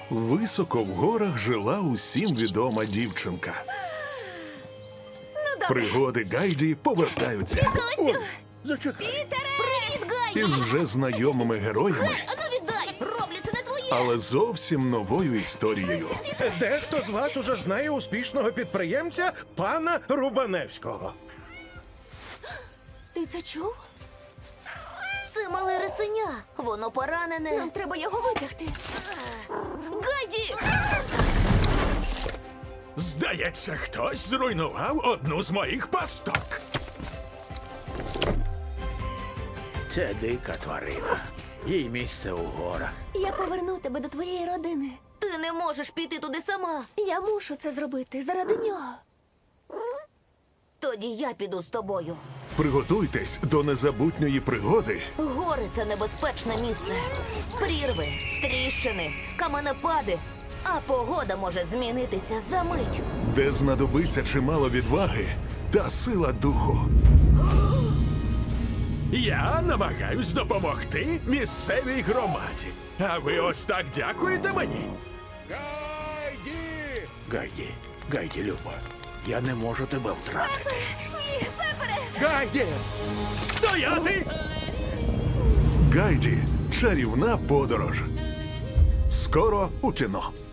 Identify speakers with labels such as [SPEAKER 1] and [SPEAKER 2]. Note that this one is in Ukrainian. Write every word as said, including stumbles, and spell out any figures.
[SPEAKER 1] Високо в горах жила усім відома дівчинка. Пригоди Гайді повертаються
[SPEAKER 2] Костю!
[SPEAKER 3] Зачекай.
[SPEAKER 2] Привіт, Гайді!
[SPEAKER 1] із вже знайомими героями,
[SPEAKER 2] А ну віддай! Роблю, це не твоє!
[SPEAKER 1] але зовсім новою історією.
[SPEAKER 3] Дехто з вас уже знає успішного підприємця пана Рубаневського.
[SPEAKER 2] Ти це чув? Це мале рисеня. Воно поранене. Нам треба його витягти. Гайді!
[SPEAKER 4] Здається, хтось зруйнував одну з моїх пасток.
[SPEAKER 5] Це дика тварина. Їй місце у горах.
[SPEAKER 2] Я поверну тебе до твоєї родини. Ти не можеш піти туди сама. Я мушу це зробити заради нього. Тоді я піду з тобою.
[SPEAKER 1] Приготуйтесь до незабутньої пригоди,
[SPEAKER 2] Гори – це небезпечне місце. Прірви, тріщини, каменепади. А погода може змінитися за мить.
[SPEAKER 1] де знадобиться чимало відваги та сила духу.
[SPEAKER 4] Я намагаюсь допомогти місцевій громаді. А ви ось так дякуєте мені?
[SPEAKER 3] Гайді!
[SPEAKER 5] Гайді, Гайді, Люба, я не можу тебе втратити.
[SPEAKER 2] Ні, Пепере!
[SPEAKER 3] Гайді!
[SPEAKER 4] Стояти!
[SPEAKER 1] Гайді. Чарівна подорож. Скоро у кіно.